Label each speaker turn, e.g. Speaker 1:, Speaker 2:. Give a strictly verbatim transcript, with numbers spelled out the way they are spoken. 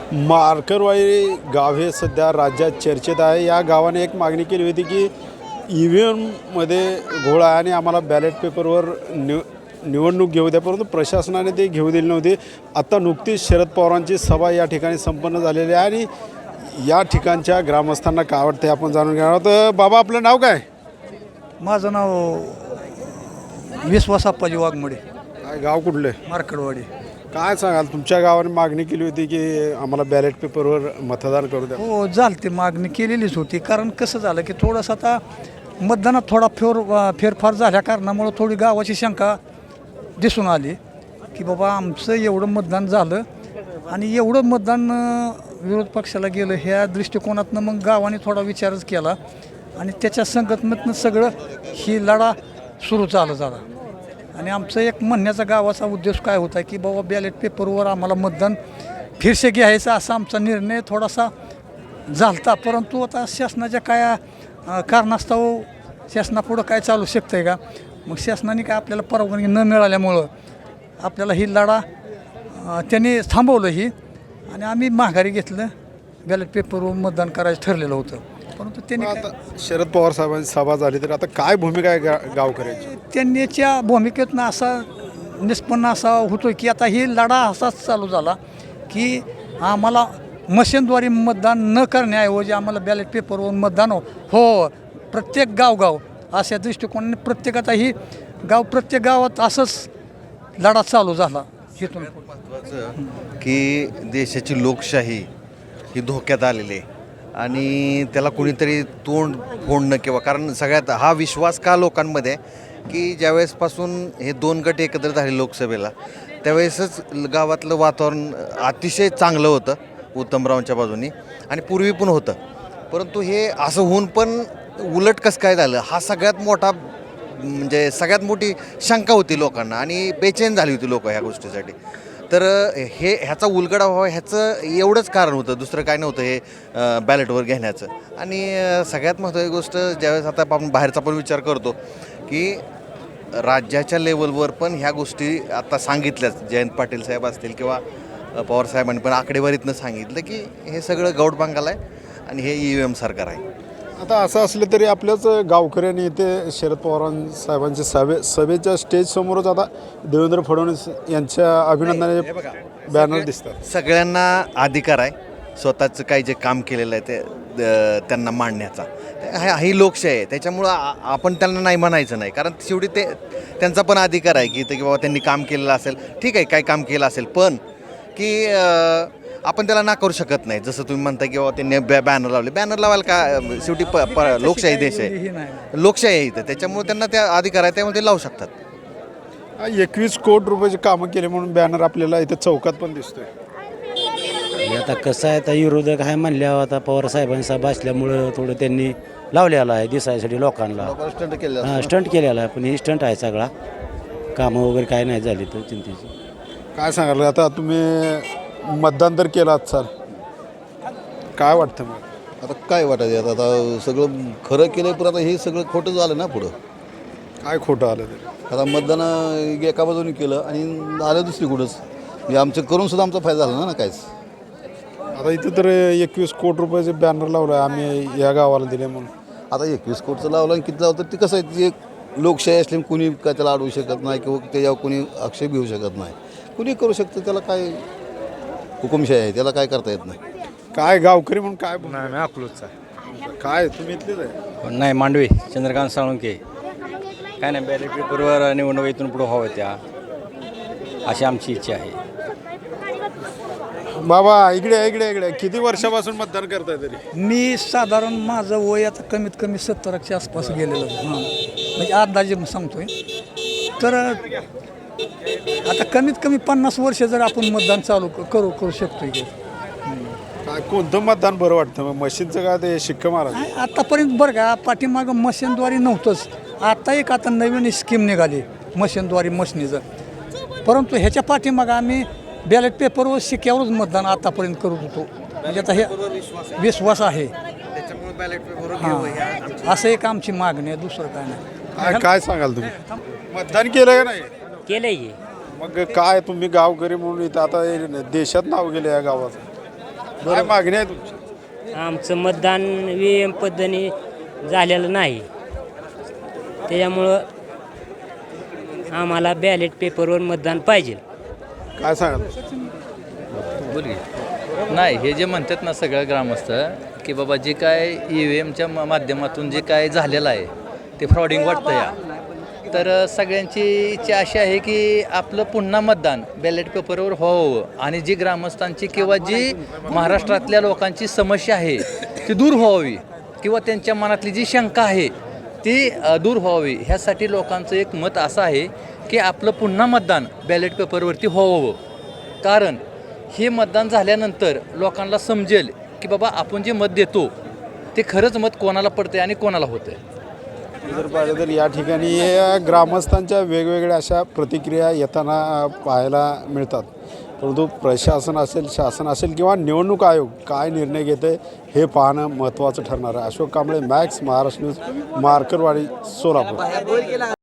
Speaker 1: मार्करवाडी गाव हे सध्या राज्यात चर्चेत आहे. या गावाने एक मागणी केली होती की ई व्ही एममध्ये घोळ आहे आणि आम्हाला बॅलेट पेपरवर निव निवडणूक घेऊ द्या, परंतु प्रशासनाने ते घेऊ दिले नव्हते. आता नुकतीच शरद पवारांची सभा या ठिकाणी संपन्न झालेली आहे आणि या ठिकाणच्या ग्रामस्थांना काय वाटते आपण जाणून घेणार आहोत. बाबा, आपलं नाव काय?
Speaker 2: माझं नाव विश्वास अप्पाजी वाघमोडे,
Speaker 1: काय गाव कुठलं?
Speaker 2: मार्कडवाडी.
Speaker 1: काय सांगाल, तुमच्या गावाने मागणी केली होती की आम्हाला बॅलेट पेपरवर मतदान करू द्या?
Speaker 2: हो, झालती, मागणी केलेलीच होती. कारण कसं झालं की थोडंसं आता मतदानात थोडा फेर फेरफार झाल्या कारणामुळं थोडी गावाची शंका दिसून आली की बाबा आमचं एवढं मतदान झालं आणि एवढं मतदान अं, विरोध पक्षाला गेलं, ह्या दृष्टिकोनातनं मग गावाने थोडा विचारच केला आणि त्याच्या संघटनेतनं सगळं ही लढा सुरू झाला झाला. आणि आमचं एक म्हणण्याचा गावाचा उद्देश काय होता की बाबा बॅलेट पेपरवर आम्हाला मतदान फिरसे घ्यायचं असा आमचा निर्णय थोडासा झालता. परंतु आता शासनाच्या काय अं, कारणास्तव शासनापुढं काय चालू शकतं आहे का? मग शासनाने काय आपल्याला परवानगी न मिळाल्यामुळं आपल्याला ही लढा अं, त्यांनी थांबवलं ही आणि आम्ही माघारी घेतलं. बॅलेट पेपरवर मतदान करायचं ठरलेलं होतं. परंतु त्यांनी काय-
Speaker 1: आता शरद पवार साहेबांची सभा झाली तर आता काय भूमिका आहे गा गावकऱ्यांची?
Speaker 2: त्यांच्या भूमिकेतनं असा निष्पन्न असा होतो की आता ही लढा असाच चालू झाला की आम्हाला मशीनद्वारे मतदान न करण्याऐवजी आम्हाला बॅलेट पेपरवर मतदान हो हो प्रत्येक गावगाव अशा दृष्टिकोनाने प्रत्येक आता ही गाव प्रत्येक गावात असंच लढा चालू झाला. इथून
Speaker 3: महत्त्वाचं की देशाची लोकशाही ही धोक्यात आलेली आहे आणि त्याला कुणीतरी तोंड फोडणं किंवा कारण सगळ्यात हा विश्वास का लोकांमध्ये आहे की ज्यावेळेसपासून हे दोन गट एकत्र झाले लोकसभेला त्यावेळेसच गावातलं वातावरण अतिशय चांगलं होतं उत्तमरावांच्या बाजूनी आणि पूर्वी पण होतं. परंतु हे असं होऊन पण उलट कसं काय झालं हा सगळ्यात मोठा म्हणजे सगळ्यात मोठी शंका होती लोकांना आणि बेचैन झाली होती लोक ह्या गोष्टीसाठी. तर हे ह्याचा उलगडा व्हावा ह्याचं एवढंच कारण होतं, दुसरं काय नव्हतं हे बॅलेटवर घेण्याचं. आणि सगळ्यात महत्त्वाची गोष्ट ज्यावेळेस आता आपण बाहेरचा पण विचार करतो की राज्याच्या लेवलवर पण ह्या गोष्टी आता सांगितल्याच, जयंत पाटील साहेब असतील किंवा पवार साहेबांनी पण आकडेवारीतनं सांगितलं की हे सगळं गौड बांगाला आहे आणि हे ई व्ही एम सरकार आहे.
Speaker 1: आता असं असलं तरी आपल्याच गावकऱ्यांनी इथे शरद पवार साहेबांच्या सभे सभेच्या स्टेजसमोरच आता देवेंद्र फडणवीस यांच्या अभिनंदनाचे बॅनर दिसतात.
Speaker 3: सगळ्यांना अधिकार आहे स्वतःचं काही जे काम केलेलं आहे ते द- त्यांना मांडण्याचा. हा ही लोकशाही आहे, त्याच्यामुळं आ- आपण त्यांना नाही म्हणायचं नाही. कारण शेवटी ते त्यांचा पण अधिकार आहे की ते की बाबा त्यांनी काम केलेलं असेल, ठीक आहे, काय काम केलं असेल, पण की अं, आपण त्याला ना करू शकत नाही. जसं तुम्ही म्हणता की बाबा त्यांनी बॅ बॅनर लावले, बॅनर लावायला का शेवटी प प लोकशाही देश आहे,
Speaker 2: ही नाही.
Speaker 3: लोकशाही आहे इथं, त्याच्यामुळे त्यांना त्या अधिकार आहे त्यामुळे ते लावू शकतात.
Speaker 1: एकवीस कोटी रुपयाचे कामं केले म्हणून बॅनर आपल्याला इथे चौकात पण दिसतोय.
Speaker 4: हे आता कसं आहे, आता विरोधक आहे म्हणल्यावर आता पवार साहेबांचा सभा असल्यामुळं थोडं त्यांनी लावलेला आहे दिसायसाठी लोकांना. हां, स्टंट केलेला आहे, पण ही स्टंट आहे सगळा. कामं वगैरे काय नाही झाली तर चिंतेची.
Speaker 1: काय सांगाल, आता तुम्ही मतदान तर केलं सर, काय वाटतं मग?
Speaker 5: आता काय वाटायचं आता आता सगळं खरं केलं पण आता हे सगळं खोटं झालं ना पुढं.
Speaker 1: काय खोटं आलं ते?
Speaker 5: आता मतदान एका बाजूने केलं आणि आलं दुसरीकडंच. म्हणजे आमचं करून सुद्धा आमचा फायदा झाला ना काहीच.
Speaker 1: आता इथं तर एकवीस कोटी रुपयाचे बॅनर लावलं आहे आम्ही या गावाला दिले म्हणून.
Speaker 5: आता एकवीस कोटचं लावलं आणि किती लावलं तर ते कसं आहे, ते एक लोकशाही असल्यामुळे कुणी काय त्याला अडवू शकत नाही किंवा त्याच्यावर कुणी आक्षेप घेऊ शकत नाही. कुणी करू शकतं, त्याला काय हुकुमशाही आहे, त्याला काय करता येत नाही.
Speaker 1: काय गावकरी म्हणून काय बोलणार?
Speaker 6: नाही अकलूजचा आहे.
Speaker 1: काय तुम्ही इथलेच आहे?
Speaker 6: नाही, मांडवे चंद्रकांत साळुंके. काय नाही, बॅलेट पेपरवर निवडणूक इथून पुढे व्हावं त्या अशी आमची इच्छा आहे.
Speaker 1: बाबा इकडे इकडे इकडे किती वर्षापासून मतदान करताय तरी?
Speaker 2: मी साधारण माझं वय आता कमीत कमी सत्तरच्या आसपास गेलेलं हां, म्हणजे अंदाजे सांगतोय. तर आता कमीत कमी पन्नास वर्ष जर आपण मतदान चालू क- करू करू शकतो की
Speaker 1: काय कोणतं मतदान बरं वाटतं मग? मशीनचं का ते शिक्का मारा?
Speaker 2: नाही, आतापर्यंत बरं का पाठीमागं मशीनद्वारे नव्हतंच. आता एक आता नवीन स्कीम निघाली मशीनद्वारे मशनीचं. परंतु ह्याच्या पाठीमागं आम्ही बॅलेट पेपरवर शिक्क्यावरच मतदान आतापर्यंत करत होतो. म्हणजे आता हे विश्वास आहे.
Speaker 3: त्याच्यामुळे बॅलेट पेपरवर
Speaker 2: हां, असं एक आमची मागणी आहे, दुसरं काय नाही.
Speaker 1: काय काय सांगाल तुम्ही? मतदान केलं का नाही?
Speaker 7: केलंय की.
Speaker 1: मग काय तुम्ही गावकरी म्हणून इथं आता हे देशात नाव गेले या गावाचं. काय मागणी आहे तुमची?
Speaker 7: आमचं मतदान व्ही एम पद्धतीने झालेलं नाही, त्याच्यामुळं आम्हाला बॅलेट पेपरवर मतदान पाहिजे.
Speaker 1: काय सांगाल?
Speaker 8: बोल की. नाही, हे जे म्हणतात ना सगळं ग्रामस्थ की बाबा जे काय ई व्ही एमच्या माध्यमातून जे काय झालेलं आहे ते फ्रॉडिंग वाटतं या, तर सगळ्यांची इच्छा अशी आहे की आपलं पुन्हा मतदान बॅलेट पेपरवर व्हावं आणि जी ग्रामस्थांची किंवा जी महाराष्ट्रातल्या लोकांची समस्या आहे ती दूर व्हावी किंवा त्यांच्या मनातली जी शंका आहे ती अ, दूर व्हावी. ह्यासाठी लोकांचं एक मत असं आहे की आपलं पुन्हा मतदान बॅलेट पेपरवरती व्हावं. कारण हे मतदान झाल्यानंतर लोकांना समजेल की बाबा आपण जे मत देतो ते खरंच मत कोणाला पडतंय आणि कोणाला होतंय.
Speaker 1: जर पाहिलं तर या ठिकाणी या ग्रामस्थांच्या वेगवेगळ्या अशा प्रतिक्रिया येताना पाहायला मिळतात. परंतु प्रशासन असेल, शासन असेल किंवा निवडणूक आयोग काय निर्णय घेते हे पाहणं महत्त्वाचं ठरणार आहे. Ashok Kamble, Max, Maharashtra news, Markarwadi, Solapur.